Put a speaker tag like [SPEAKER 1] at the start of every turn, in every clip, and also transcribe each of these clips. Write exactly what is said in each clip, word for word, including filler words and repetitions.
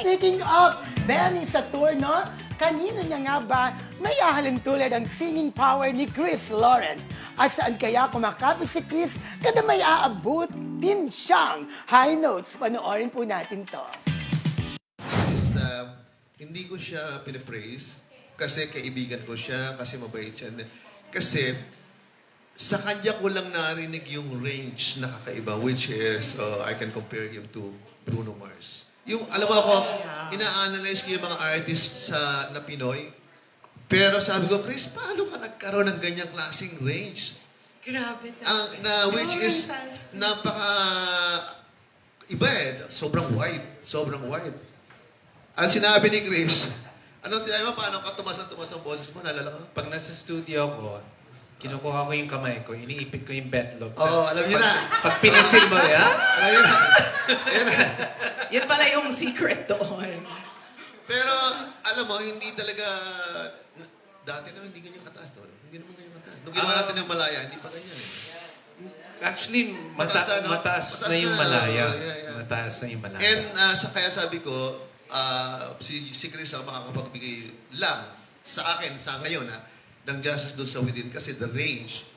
[SPEAKER 1] speaking of Benny sa tour, no? Kanino niya nga ba may ahalin tulad ang singing power ni Chris Lawrence? At saan kaya kumakapit si Chris kada may aabot din siyang high notes? Panoorin po natin to.
[SPEAKER 2] Is, uh, hindi ko siya pinipraise kasi kaibigan ko siya, kasi mabait siya. Kasi sa kanya ko lang narinig yung range na kakaiba, which is, uh, I can compare him to Bruno Mars. Yung, alam mo ako, ina-analyze ko yung mga artists sa, na Pinoy. Pero sabi ko, Chris, paano ka nagkaroon ng ganyang klaseng range?
[SPEAKER 3] Grabe
[SPEAKER 2] Ang, na, which is, napaka, iba eh, sobrang wide, sobrang wide. Ang sinabi ni Chris, anong sinabi mo, paano ka tumas ang tumas ang boses mo, nalala ka?
[SPEAKER 4] Pag nasa studio ko, kinukuha ko yung kamay ko, iniipit ko yung betlog.
[SPEAKER 2] Oo, oh, alam niyo na.
[SPEAKER 4] Pag pinisil mo, ya?
[SPEAKER 2] Alam niyo na. Ayan na.
[SPEAKER 3] Yan pala yung secret doon.
[SPEAKER 2] Pero, alam mo, hindi talaga, dati naman hindi ganyan kataas to. Hindi naman ganyan kataas. Nung ginawa natin yung Malaya, hindi pa ganyan eh.
[SPEAKER 4] Actually, mata
[SPEAKER 2] Mataas na, no?
[SPEAKER 4] mataas,
[SPEAKER 2] Mataas
[SPEAKER 4] na yung
[SPEAKER 2] na,
[SPEAKER 4] Malaya.
[SPEAKER 2] oh, yeah, yeah.
[SPEAKER 4] Mataas na yung Malaya.
[SPEAKER 2] And uh, sa, kaya sabi ko, uh, si, si Chris ang makakapagbigay lang sa akin, sa ngayon, ha, ng justice doon sa within kasi the range.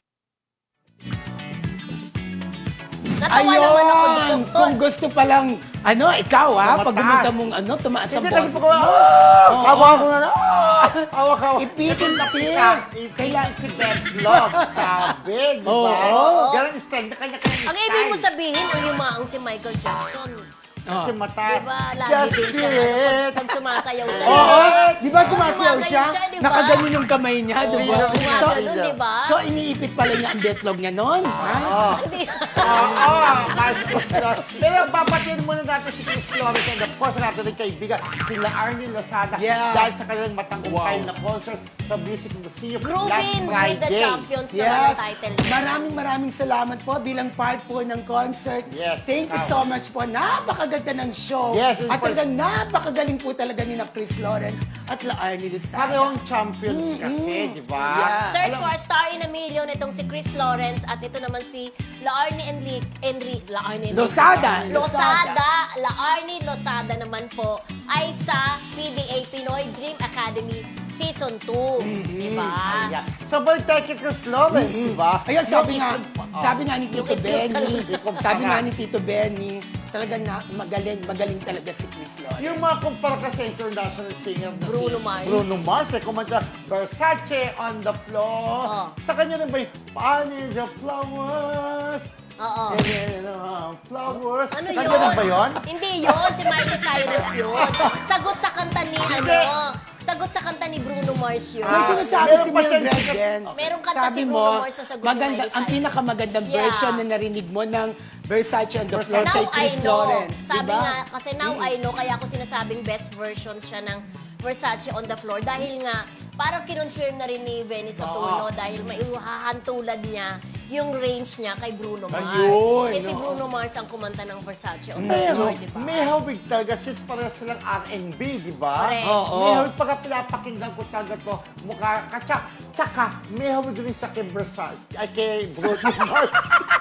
[SPEAKER 5] Natawa naman ako dito.
[SPEAKER 1] Ayun! Kung gusto palang, ano, ikaw ha, pag
[SPEAKER 6] Tumataas.
[SPEAKER 1] gumunta mong ano, tumaas ang
[SPEAKER 6] Hindi kasi
[SPEAKER 1] boses
[SPEAKER 6] pag
[SPEAKER 1] mo.
[SPEAKER 6] oh,
[SPEAKER 1] Oo.
[SPEAKER 6] kawa ko na, oh, kawa kawa.
[SPEAKER 1] Ipitin kasi.
[SPEAKER 6] Isa, kailangan si Beth Love, sabi, di ba?
[SPEAKER 1] Oo.
[SPEAKER 6] Ganun style, na kanya-kanya
[SPEAKER 5] Ang
[SPEAKER 6] style.
[SPEAKER 5] ibig mo sabihin, ang yumaong si Michael Jackson.
[SPEAKER 6] Kasi mataas.
[SPEAKER 5] Diba? Lagi
[SPEAKER 6] Just
[SPEAKER 5] din siya.
[SPEAKER 6] do it.
[SPEAKER 5] Pag sumasayaw siya.
[SPEAKER 1] Oo, di ba sumasayaw
[SPEAKER 5] Gumaganon
[SPEAKER 1] siya?
[SPEAKER 5] siya, di ba?
[SPEAKER 1] Nakaganon yung kamay niya, di ba?
[SPEAKER 5] Oo,
[SPEAKER 1] So,
[SPEAKER 5] gumaganon, di ba?
[SPEAKER 1] so, iniipit pala niya ang betlog niya noon. ha?
[SPEAKER 6] Oo.
[SPEAKER 5] Hindi.
[SPEAKER 6] Oo, kasi Chris Lawrence. Pero babatiin muna natin si Chris Lawrence and of course natin rin kaibigan, sila Arnie Lozada
[SPEAKER 1] Yeah.
[SPEAKER 6] dahil sa kanilang matangkay na concert sa Music Museum last
[SPEAKER 5] Groovin with the
[SPEAKER 6] Friday.
[SPEAKER 5] Champions naman
[SPEAKER 1] Yes.
[SPEAKER 5] ang title niya.
[SPEAKER 1] Maraming maraming salamat po bilang part po ng concert.
[SPEAKER 6] Yes,
[SPEAKER 1] Thank you
[SPEAKER 6] ikaw.
[SPEAKER 1] so much po. Napakaganda ng show.
[SPEAKER 6] Yes, and
[SPEAKER 1] At
[SPEAKER 6] for-
[SPEAKER 1] talagang napakagaling po talaga ni na Chris Lawrence at La Arnie Lozada.
[SPEAKER 6] Parehong champions kasi, di ba?
[SPEAKER 1] Yeah.
[SPEAKER 5] Search for a star in a million itong si Chris Lawrence at ito naman si Laarni Enrique Enri Laarni Enrique
[SPEAKER 1] Lozada.
[SPEAKER 5] Lozada Laarni Lozada naman po ay sa P D A Pinoy Dream Academy Season two, di ba?
[SPEAKER 6] Ayan. So, balik tayo kay Chris Lawrence, di ba?
[SPEAKER 1] Ayun, sabi nga,
[SPEAKER 6] Oh.
[SPEAKER 1] sabi nga ni Tito
[SPEAKER 5] Yung itlog
[SPEAKER 1] Benny,
[SPEAKER 6] talaga.
[SPEAKER 1] sabi nga ni Tito Benny, talagang na, magaling, magaling talaga si Chris Lawrence.
[SPEAKER 6] Yung mga kumpara ka sa international singer na
[SPEAKER 5] Bruno
[SPEAKER 6] si
[SPEAKER 5] Mars.
[SPEAKER 6] Bruno Mars, eh, kumanta Versace on the floor.
[SPEAKER 5] Oh.
[SPEAKER 6] Sa kanya rin ba yung Paano the flowers?
[SPEAKER 5] Oo.
[SPEAKER 6] And uh, flowers.
[SPEAKER 5] Ano
[SPEAKER 6] Kanya
[SPEAKER 5] yun?
[SPEAKER 6] rin ba yun?
[SPEAKER 5] Hindi yun. Si Miley Cyrus yun. Sagot sa kanta ni, ano, sagot sa kanta ni Bruno Mars yun.
[SPEAKER 1] May
[SPEAKER 6] Ah,
[SPEAKER 1] sinasabi
[SPEAKER 6] meron
[SPEAKER 1] si
[SPEAKER 6] pa siya-
[SPEAKER 1] Mildred din.
[SPEAKER 5] Meron kanta
[SPEAKER 1] Sabi
[SPEAKER 5] si
[SPEAKER 1] mo,
[SPEAKER 5] Bruno Mars na sagot ni
[SPEAKER 1] maganda,
[SPEAKER 5] Miley
[SPEAKER 1] ang
[SPEAKER 5] Cyrus.
[SPEAKER 1] pinakamagandang
[SPEAKER 5] Yeah.
[SPEAKER 1] version na narinig mo ng Versace on the floor
[SPEAKER 5] Now
[SPEAKER 1] kay
[SPEAKER 5] I
[SPEAKER 1] Chris
[SPEAKER 5] know.
[SPEAKER 1] Lawrence.
[SPEAKER 5] Sabi
[SPEAKER 1] diba?
[SPEAKER 5] nga, kasi now I know, kaya ako sinasabing best version siya ng Versace on the floor. Dahil nga, parang kinonfirm na rin ni Venice Otono dahil maiuhahantulad niya yung range niya kay Bruno Mars.
[SPEAKER 6] Ayun,
[SPEAKER 5] eh si
[SPEAKER 6] no.
[SPEAKER 5] Bruno Mars ang kumanta ng Versace on the
[SPEAKER 6] Pero,
[SPEAKER 5] floor, di ba?
[SPEAKER 6] may hawig talaga since pareho silang R and B, di ba?
[SPEAKER 5] Correct.
[SPEAKER 1] Oo.
[SPEAKER 6] May hawig pagka pinapakinggan ko talaga to, mukha katsak. Tsaka, may hawig rin siya kay Versace, ay kay Bruno Mars.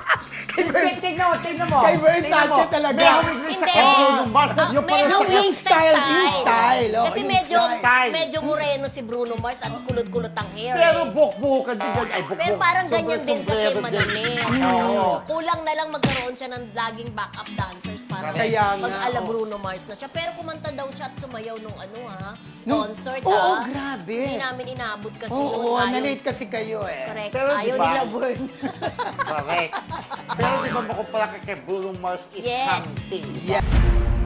[SPEAKER 6] Tingnan mo, tingnan mo.
[SPEAKER 1] Kay Versace
[SPEAKER 6] Tingnan mo.
[SPEAKER 1] talaga.
[SPEAKER 6] May hawig rin siya kay
[SPEAKER 5] Hindi.
[SPEAKER 6] Bruno Mars.
[SPEAKER 5] Ah,
[SPEAKER 6] Yung
[SPEAKER 5] may
[SPEAKER 6] parang sa
[SPEAKER 5] hawig
[SPEAKER 1] yung
[SPEAKER 5] sa
[SPEAKER 1] style, yung style, oh,
[SPEAKER 5] Kasi
[SPEAKER 1] yung
[SPEAKER 5] medyo,
[SPEAKER 6] style.
[SPEAKER 5] medyo moreno si Bruno Mars at kulot-kulot ang hair.
[SPEAKER 6] Pero
[SPEAKER 5] eh.
[SPEAKER 6] buk-bukan din yan. Ay, buk-buk.
[SPEAKER 5] Pero parang ganyan din kasi
[SPEAKER 6] Sombrero din.
[SPEAKER 5] madumi.
[SPEAKER 6] Oo.
[SPEAKER 5] Kulang na lang magkaroon siya ng laging backup dancers para
[SPEAKER 1] Kaya nga,
[SPEAKER 5] mag-ala
[SPEAKER 1] oo.
[SPEAKER 5] Bruno Mars na siya. Pero kumanta daw siya at sumayaw nung ano ha,
[SPEAKER 1] Nung-
[SPEAKER 5] concert
[SPEAKER 1] Oo,
[SPEAKER 5] ha.
[SPEAKER 1] grabe.
[SPEAKER 5] Hindi namin inabot kasi
[SPEAKER 1] Oo,
[SPEAKER 5] noon.
[SPEAKER 1] oo,
[SPEAKER 5] Ayaw-
[SPEAKER 1] na-late kasi kayo eh.
[SPEAKER 5] Correct.
[SPEAKER 6] Pero
[SPEAKER 5] Ayaw
[SPEAKER 6] diba-
[SPEAKER 5] nila burn.
[SPEAKER 6] Correct. Pero di ba makumpara kay Bruno Mars is
[SPEAKER 5] Yes.
[SPEAKER 6] something.
[SPEAKER 1] Yeah.